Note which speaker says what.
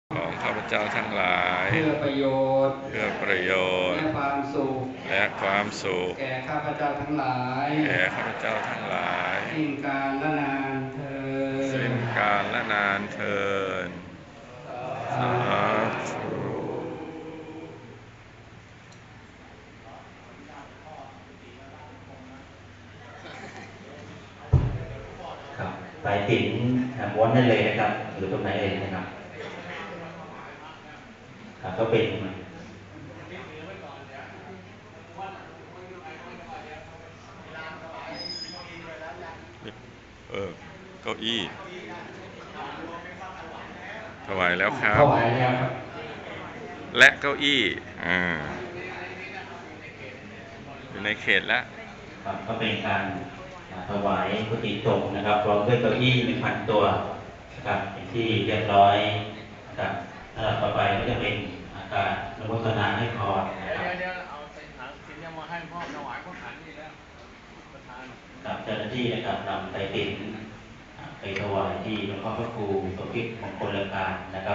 Speaker 1: ของข้าพเจ้าทั้งหลาย
Speaker 2: เพื่อประโยชน์
Speaker 1: และ
Speaker 2: ความสุขแก่ข้าพเจ้าทั้งหลายสิ้นกาลและนานเทอ
Speaker 1: ญ
Speaker 2: ญ
Speaker 1: สาธุ
Speaker 3: ครับสายสิญจน์ม้วนได้เลยนะครับหรือตรงไหนเองนะครับก็เป็น
Speaker 1: เก้าอี้ถวายแล้วครั
Speaker 2: ถ
Speaker 1: บ
Speaker 2: วายแล้วครับ
Speaker 1: และเก้าอี้อยู่ในเขตแล้ว
Speaker 3: ครับก็เป็นการถวายพุทธิสงฆ์นะครับพร้อมด้วยเก้าอี้1,000 ตัวนะครับเป็นที่เรียบร้อยนะครับต่อไปก็จะเป็นการอนุโมทนาให้พรนะครับ
Speaker 4: เอาเป็นหางสินยังมาให้พ่อถวายพ่อขันนี่แล้วประธาน
Speaker 3: กับเจ้าหน้าที่นะครับนำไตรสิญจน์ไปถวายที่หลวงพ่อพระครูสมคิดมงคลการนะครับ